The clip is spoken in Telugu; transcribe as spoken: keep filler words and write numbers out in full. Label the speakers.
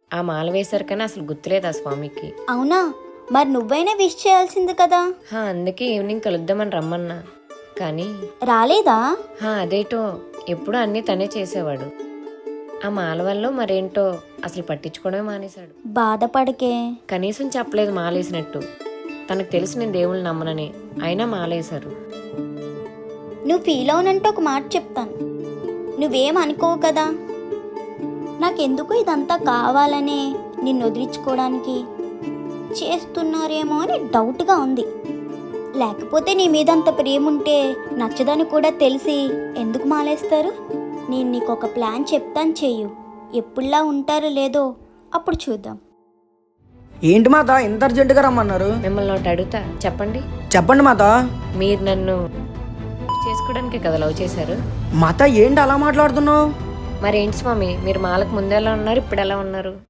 Speaker 1: ఆ మాల వేశారు కానీ అసలు గుర్తులేదు ఆ స్వామికి.
Speaker 2: అవునా? మరి నువ్వైనా విష్ చేయాల్సింది కదా.
Speaker 1: హా అందుకే ఈవినింగ్ కలుద్దామని రమ్మన్నా కానీ
Speaker 2: రాలేదా?
Speaker 1: హా అదేటో ఎప్పుడూ అన్నీ తనే చేసేవాడు. ఆ మాల వల్ల మరేంటో అసలు పట్టించుకోవడమే మానేశాడు.
Speaker 2: బాధపడకే.
Speaker 1: కనీసం చెప్పలేదు మాలేసినట్టు. తనకు తెలుసు నేను దేవుళ్ళు నమ్మనని, అయినా మాలేశారు.
Speaker 2: నువ్వు ఫీల్ అవునంటే ఒక మాట చెప్తాను, నువ్వేం అనుకోవు కదా. నాకెందుకు ఇదంతా కావాలనే నిన్ను వదిలించుకోవడానికి చేస్తున్నారేమో అని డౌట్గా ఉంది. లేకపోతే నీ మీద అంత ప్రేమ ఉంటే నచ్చదని కూడా తెలిసి ఎందుకు మాలేస్తారు? నేను నీకు ఒక ప్లాన్ చెప్తాను, చెయ్యు. ఎప్పుడులా ఉంటారో లేదో అప్పుడు చూద్దాం.
Speaker 3: ఏంటి మాత ఇంత అర్జెంటుగా రమ్మన్నారు?
Speaker 1: మిమ్మల్ని ఒకటి అడుగుతా, చెప్పండి.
Speaker 3: చెప్పండి మాత.
Speaker 1: మీరు నన్ను చేసుకోవడానికి కదా లవ్ చేశారు?
Speaker 3: మాత ఏంటి అలా మాట్లాడుతున్నావు?
Speaker 1: మరేంటి స్వామి, మీరు మాలకు ముందు ఎలా ఉన్నారు, ఇప్పుడు ఎలా ఉన్నారు?